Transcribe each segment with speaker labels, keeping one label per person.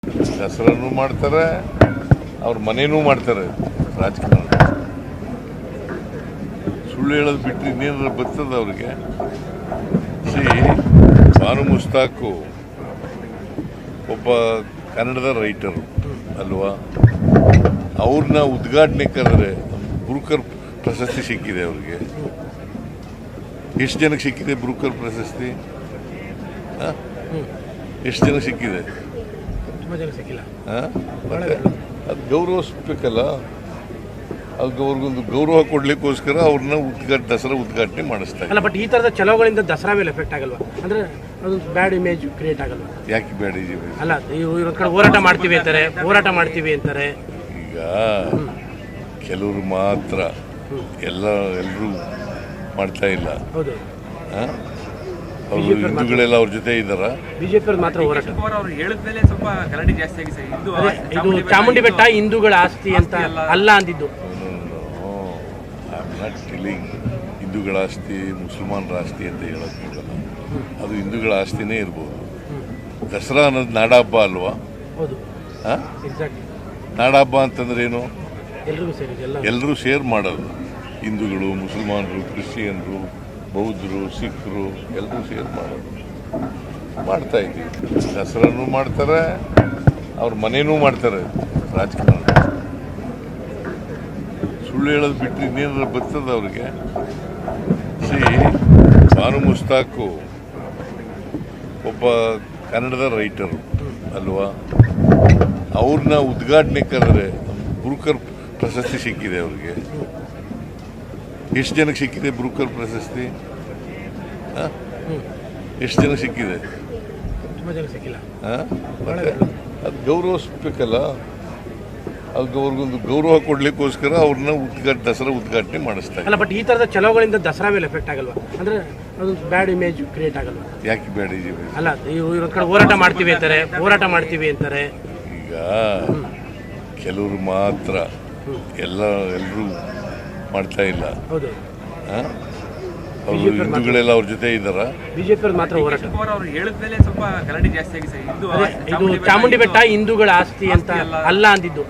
Speaker 1: ದಸರಾನು ಮಾಡ್ತಾರೆ, ಅವ್ರ ಮನೇನೂ ಮಾಡ್ತಾರೆ ರಾಜಕಾರಣ. ಸುಳ್ಳು ಹೇಳೋದು ಬಿಟ್ಟರೆ ಇನ್ನೇನಾರ ಬರ್ತದ ಅವ್ರಿಗೆ. ಬಾನು ಮುಸ್ತಾಕು ಒಬ್ಬ ಕನ್ನಡದ ರೈಟರು ಅಲ್ವಾ, ಅವ್ರನ್ನ ಉದ್ಘಾಟನೆ ಕರೆದ್ರೆ ಬ್ರೂಕರ್ ಪ್ರಶಸ್ತಿ ಸಿಕ್ಕಿದೆ ಅವ್ರಿಗೆ. ಎಷ್ಟು ಜನಕ್ಕೆ ಸಿಕ್ಕಿದೆ ಬ್ರೂಕರ್ ಪ್ರಶಸ್ತಿ? ಎಷ್ಟು ಜನಕ್ಕೆ ಸಿಕ್ಕಿದೆ? ಅದು ಗೌರವಿಸ್ಬೇಕಲ್ಲ. ಅದು ಅವ್ರಿಗೊಂದು ಗೌರವ ಕೊಡ್ಲಿಕ್ಕೋಸ್ಕರ ಅವ್ರನ್ನ ದಸರಾ ಉದ್ಘಾಟನೆ ಮಾಡಿಸ್ತಾರೆ.
Speaker 2: ಅಲ್ಲ, ಬಟ್ ಈ ತರದ ಚಲೋಗಳಿಂದ ದಸರಾ ಮೇಲೆ ಎಫೆಕ್ಟ್ ಆಗಲ್ವಾ? ಅಂದ್ರೆ ಅದು ಬ್ಯಾಡ್ ಇಮೇಜ್ ಕ್ರಿಯೇಟ್ ಆಗಲ್ವಾ?
Speaker 1: ಯಾಕೆ ಬ್ಯಾಡ್ ಇಮೇಜ್?
Speaker 2: ಅಲ್ಲ, ಇವ್ರ ಕಡೆ ಹೋರಾಟ ಮಾಡ್ತೀವಿ ಅಂತಾರೆ.
Speaker 1: ಈಗ ಕೆಲವರು ಮಾತ್ರ, ಎಲ್ಲರೂ ಮಾಡ್ತಾ ಇಲ್ಲ.
Speaker 2: ಹೌದು,
Speaker 1: ಅವರು ಹಿಂದೂಗಳೆಲ್ಲ ಅವ್ರ ಜೊತೆ ಇದ್ದಾರ.
Speaker 2: ಬಿಜೆಪಿ ಮಾತ್ರ ಹೋರಾಟ.
Speaker 3: ಸ್ವಲ್ಪ ಗಲಾಟೆ ಜಾಸ್ತಿ ಆಗಿ ಸರ್.
Speaker 2: ಇದು ಚಾಮುಂಡಿ ಬೆಟ್ಟ ಹಿಂದೂಗಳ ಆಸ್ತಿ ಅಂತ ಅಲ್ಲ ಅಂದಿದ್ದು.
Speaker 1: ಹಿಂದೂಗಳ ಆಸ್ತಿ, ಮುಸಲ್ಮಾನರ ಆಸ್ತಿ ಅಂತ ಹೇಳಕ್ ಹೋಗಲ್ಲ. ಅದು ಹಿಂದೂಗಳ ಆಸ್ತಿನೇ ಇರ್ಬೋದು. ದಸರಾ ಅನ್ನೋದು ನಾಡಹಬ್ಬ ಅಲ್ವಾ?
Speaker 2: ಹೌದು,
Speaker 1: ನಾಡಹಬ್ಬ ಅಂತಂದ್ರೆ ಏನು? ಎಲ್ಲರೂ ಸೇರ್ ಮಾಡೋದು. ಹಿಂದೂಗಳು, ಮುಸಲ್ಮಾನರು, ಕ್ರಿಶ್ಚಿಯನ್ರು, ಬೌದ್ಧರು, ಸಿಖ್ರು ಎಲ್ಲರೂ ಸೇರ್ ಮಾಡೋದು. ಮಾಡ್ತಾ ಇದ್ದೀವಿ. ದಸರಾನು ಮಾಡ್ತಾರೆ, ಅವ್ರ ಮನೇನೂ ಮಾಡ್ತಾರೆ ರಾಜಕಾರಣ. ಸುಳ್ಳು ಹೇಳೋದು ಬಿಟ್ಟರೆ ಇನ್ನೇನಾರ ಬರ್ತದ ಅವ್ರಿಗೆ. ಬಾನು ಮುಸ್ತಾಕು ಒಬ್ಬ ಕನ್ನಡದ ರೈಟರು ಅಲ್ವಾ, ಅವ್ರನ್ನ ಉದ್ಘಾಟನೆ ಕರೆದ್ರೆ ಬ್ರೂಕರ್ ಪ್ರಶಸ್ತಿ ಸಿಕ್ಕಿದೆ ಅವ್ರಿಗೆ. ಎಷ್ಟು ಜನಕ್ಕೆ ಸಿಕ್ಕಿದೆ ಬ್ರೂಕರ್ ಪ್ರಶಸ್ತಿ? ಎಷ್ಟು ಜನಕ್ಕೆ ಸಿಕ್ಕಿದೆ? ಅದು ಗೌರವಿಸ್ಬೇಕಲ್ಲ. ಅದು ಅವ್ರಿಗೊಂದು ಗೌರವ ಕೊಡ್ಲಿಕ್ಕೋಸ್ಕರ ಅವ್ರನ್ನ ದಸರಾ ಉದ್ಘಾಟನೆ ಮಾಡಿಸ್ತಾರೆ.
Speaker 2: ಅಲ್ಲ, ಬಟ್ ಈ ತರದ ಚಲೋಗಳಿಂದ ದಸರಾ ಮೇಲೆ ಎಫೆಕ್ಟ್ ಆಗಲ್ವಾ? ಅಂದ್ರೆ ಅದು ಬ್ಯಾಡ್ ಇಮೇಜ್ ಕ್ರಿಯೇಟ್ ಆಗಲ್ವಾ?
Speaker 1: ಯಾಕೆ ಬ್ಯಾಡ್ ಇಮೇಜ್?
Speaker 2: ಅಲ್ಲ, ಇವ್ರ ಕಡೆ ಹೋರಾಟ ಮಾಡ್ತೀವಿ ಅಂತಾರೆ.
Speaker 1: ಈಗ ಕೆಲವರು ಮಾತ್ರ, ಎಲ್ಲರೂ ಮಾಡ್ತಾ ಇಲ್ಲ.
Speaker 2: ಹೌದು,
Speaker 1: ಅವರು ಹಿಂದೂಗಳೆಲ್ಲ ಅವ್ರ ಜೊತೆ ಇದ್ದಾರ.
Speaker 2: ಬಿಜೆಪಿ ಮಾತ್ರ ಹೋರಾಟ.
Speaker 3: ಸ್ವಲ್ಪ ಗಲಾಟೆ ಜಾಸ್ತಿ ಆಗಿ ಸರ್.
Speaker 2: ಇದು ಚಾಮುಂಡಿ ಬೆಟ್ಟ ಹಿಂದೂಗಳ ಆಸ್ತಿ ಅಂತ ಅಲ್ಲ ಅಂದಿದ್ದು.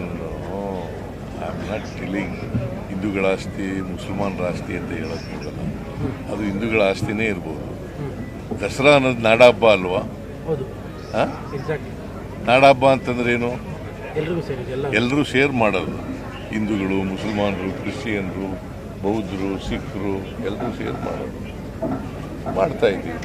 Speaker 1: ಹಿಂದೂಗಳ ಆಸ್ತಿ, ಮುಸಲ್ಮಾನರ ಆಸ್ತಿ ಅಂತ ಹೇಳಕ್ ಹೋಗಲ್ಲ. ಅದು ಹಿಂದೂಗಳ ಆಸ್ತಿನೇ ಇರ್ಬೋದು. ದಸರಾ ಅನ್ನೋದು ನಾಡಹಬ್ಬ ಅಲ್ವಾ?
Speaker 2: ಹೌದು,
Speaker 1: ನಾಡಹಬ್ಬ ಅಂತಂದ್ರೆ ಏನು? ಎಲ್ಲರೂ ಸೇರ್ ಮಾಡೋದು. ಹಿಂದೂಗಳು, ಮುಸಲ್ಮಾನರು, ಕ್ರಿಶ್ಚಿಯನ್ರು, ಬೌದ್ಧರು, ಸಿಖ್ರು ಎಲ್ಲರೂ ಸೇರ್ ಮಾಡೋದು. ಮಾಡ್ತಾ ಇದ್ದೀವಿ.